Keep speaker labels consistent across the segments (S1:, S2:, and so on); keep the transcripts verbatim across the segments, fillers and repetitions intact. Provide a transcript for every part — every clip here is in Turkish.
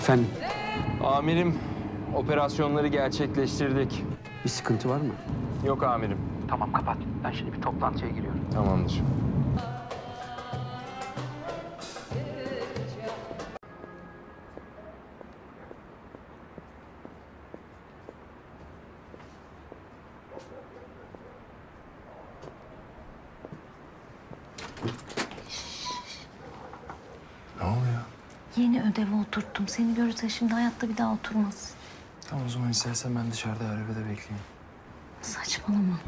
S1: Efendim,
S2: Amirim, operasyonları gerçekleştirdik.
S1: bir sıkıntı var mı?
S2: Yok amirim.
S1: Tamam, kapat. Ben şimdi bir toplantıya giriyorum.
S2: Tamamdır. Ne oluyor?
S3: Yeni ödevi oturttum. Seni görürse şimdi hayatta bir daha oturmaz.
S2: Tamam o zaman istersen ben dışarıda arabada bekleyeyim.
S3: Saçmalama.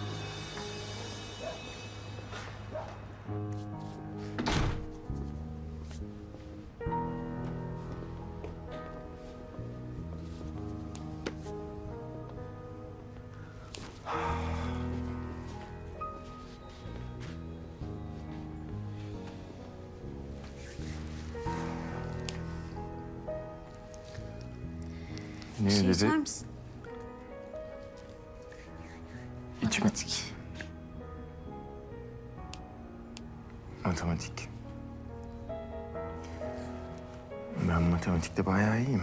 S2: Ne
S3: Bir şey
S2: dedi?
S3: içer misin?
S2: İçme.
S3: Matematik.
S2: Matematik. Ben matematikte bayağı iyiyim.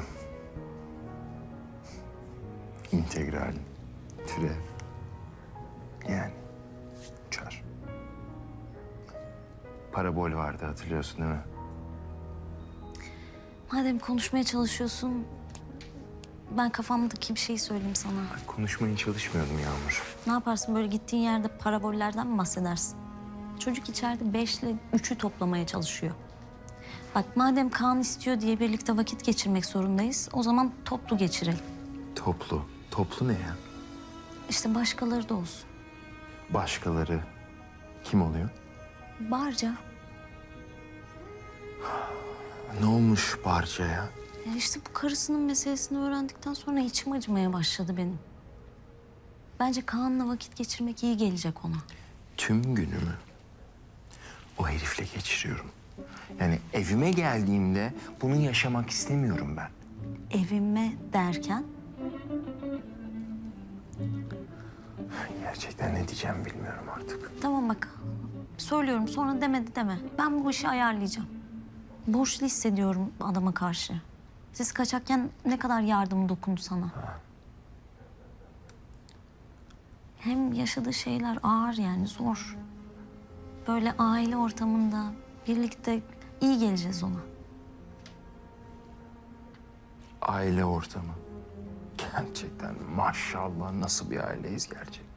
S2: İntegral, türev. Yani çar. Parabol vardı hatırlıyorsun değil mi?
S3: Madem konuşmaya çalışıyorsun, ben kafamdaki bir şey söyleyeyim sana.
S2: Konuşmaya çalışmıyordum Yağmur.
S3: Ne yaparsın böyle gittiğin yerde parabollerden mi bahsedersin? Çocuk içeride beşle üçü toplamaya çalışıyor. Bak madem Kaan istiyor diye birlikte vakit geçirmek zorundayız, o zaman toplu geçirelim.
S2: Toplu. Toplu ne ya?
S3: İşte başkaları da olsun.
S2: Başkaları kim oluyor?
S3: Barca.
S2: Ne olmuş Barca'ya?
S3: Ya işte bu karısının meselesini öğrendikten sonra içim acımaya başladı benim. Bence Kaan'la vakit geçirmek iyi gelecek ona.
S2: Tüm günümü o herifle geçiriyorum. Yani evime geldiğimde bunu yaşamak istemiyorum ben.
S3: Evime derken
S2: Gerçekten ne diyeceğim bilmiyorum artık.
S3: tamam bak söylüyorum sonra demedi deme. Ben bu işi ayarlayacağım. Borçlu hissediyorum adama karşı. Siz kaçakken ne kadar yardım dokundu sana. Hem yaşadığı şeyler ağır yani zor. Böyle aile ortamında birlikte iyi geleceğiz ona.
S2: Aile ortamı. Gerçekten maşallah nasıl bir aileyiz gerçekten.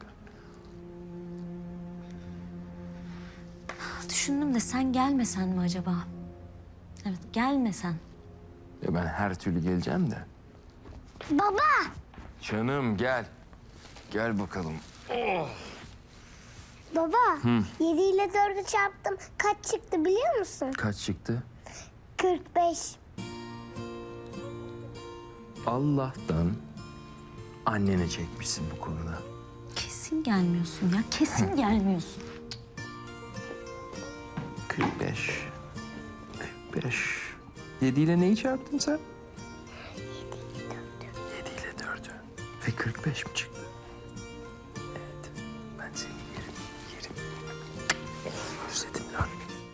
S3: Düşündüm de sen gelmesen mi acaba? Evet gelmesen.
S2: Ya ben her türlü geleceğim de.
S4: Baba,
S2: Canım gel. Gel bakalım.
S4: baba. Yedi ile dördü çarptım. Kaç çıktı biliyor musun?
S2: Kaç çıktı?
S4: Kırk beş.
S2: Allah'tan annene çekmişsin bu konuda.
S3: Kesin gelmiyorsun ya kesin gelmiyorsun.
S2: kırk beş. kırk beş. Yedi ile neyi çarptın sen? Yedi ile dördü. Ve kırk beş mi çıktı? Evet. Ben seni yerim, yerim. Özledim lan.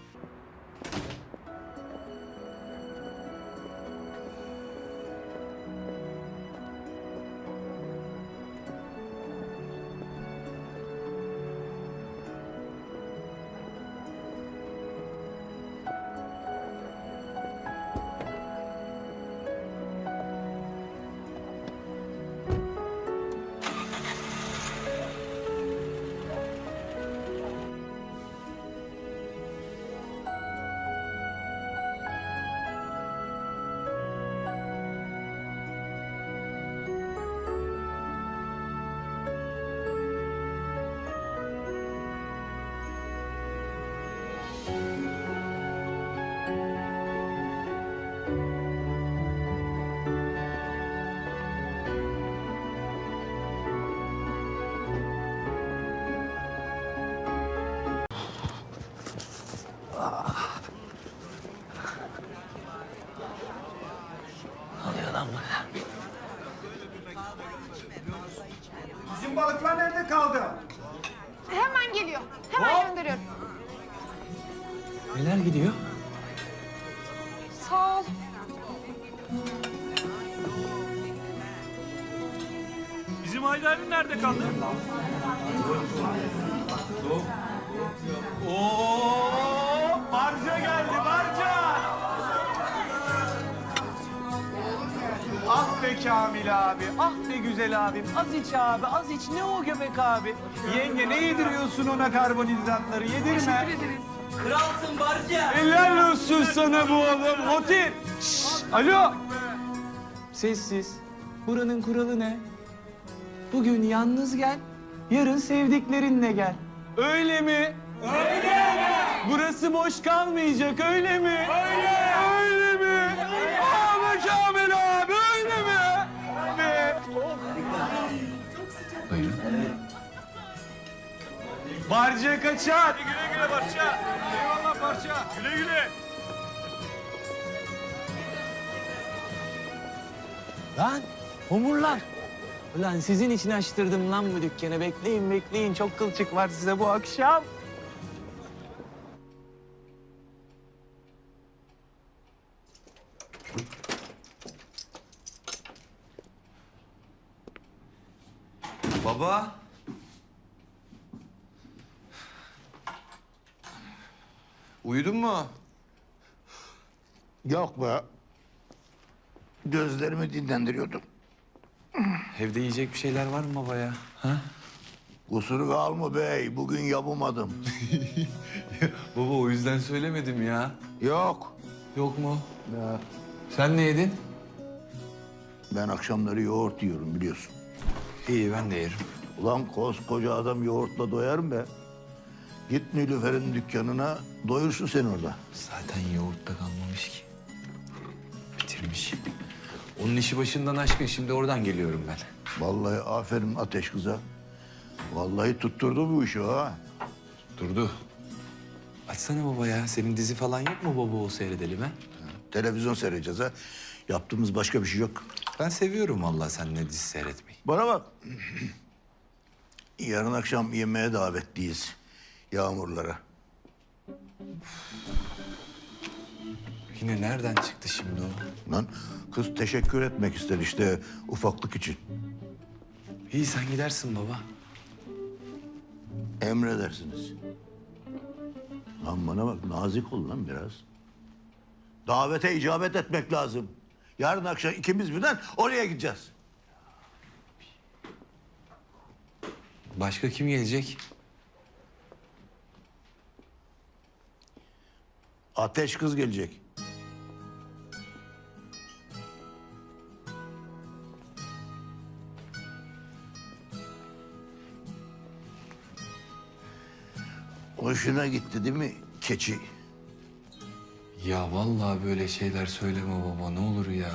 S5: Bizim balıklar nerede kaldı?
S6: Hemen geliyor. Hemen gönderiyorum.
S1: Neler gidiyor?
S6: Sağ ol.
S7: Haydar'ın nerede kaldı? Oo, barca geldi, barca.
S5: Ah be Kamil abi, ah be güzel abim. Az iç abi, az iç. Ne o göbek abi? Yenge ne yediriyorsun ona karbonhidratları? Yedirme.
S7: Kralsın barca.
S5: Helal olsun sana bu oğlum. Motif. Şşş, alo. Sessiz. Buranın kuralı ne? Bugün yalnız gel, yarın sevdiklerinle gel. Öyle mi? Öyle. Burası boş kalmayacak, öyle mi? Öyle. Öyle mi? Abi Kamil abi, öyle mi? Ve...
S2: Buyurun.
S5: Barca kaçar. Güle güle Barca. Eyvallah Barca. Güle güle.
S7: Lan homurlar. Ulan sizin için açtırdım lan bu dükkanı. Bekleyin bekleyin. Çok kılçık var size bu akşam.
S2: Baba. Uyudun mu?
S8: Yok be. Gözlerimi dinlendiriyordum.
S2: Evde yiyecek bir şeyler var mı baba ya? Ha?
S8: Kusur kalma bey, bugün yapamadım.
S2: Baba o yüzden söylemedim ya.
S8: Yok.
S2: Yok mu?
S8: Ya,
S2: Sen ne yedin?
S8: ben akşamları yoğurt yiyorum biliyorsun.
S2: İyi ben de yerim.
S8: Ulan koskoca adam yoğurtla doyar mı be? Git Nilüfer'in dükkanına, doyursun sen orada.
S2: Zaten yoğurtta kalmamış ki. Bitirmiş. Onun işi başından aşkın. Şimdi oradan geliyorum ben.
S8: Vallahi aferin Ateş kıza. Vallahi tutturdu bu işi ha.
S2: Durdu. Açsana baba ya. Senin dizi falan yok mu baba o seyredelim ha?
S8: Televizyon seyredeceğiz ha. Yaptığımız başka bir şey yok.
S2: Ben seviyorum vallahi seninle dizi seyretmeyi.
S8: Bana bak. Yarın akşam yemeğe davetliyiz. Yağmurlara.
S2: Yine nereden çıktı şimdi o?
S8: Lan kız teşekkür etmek ister işte ufaklık için.
S2: İyi sen gidersin baba.
S8: Emredersiniz. Lan bana bak nazik ol lan biraz. Davete icabet etmek lazım. Yarın akşam ikimiz birden oraya gideceğiz.
S2: Başka kim gelecek?
S8: Ateş kız gelecek. Hoşuna gitti değil mi keçi?
S2: Ya vallahi böyle şeyler söyleme baba ne olur ya.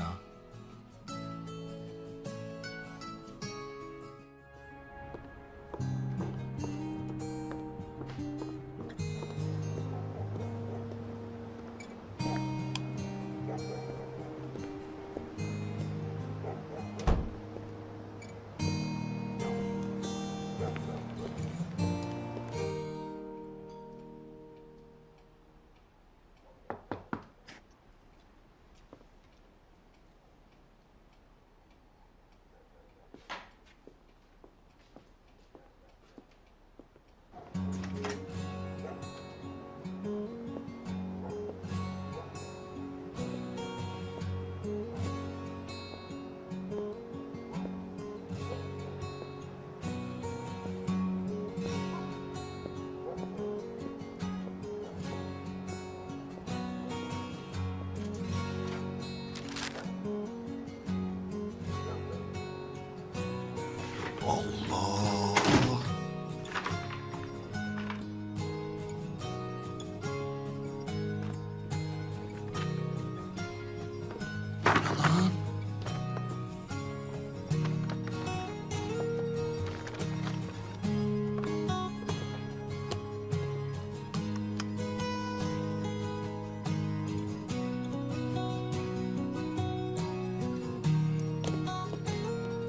S8: Allah!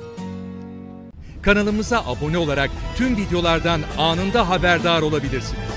S9: Kanalımıza abone olarak tüm videolardan anında haberdar olabilirsiniz.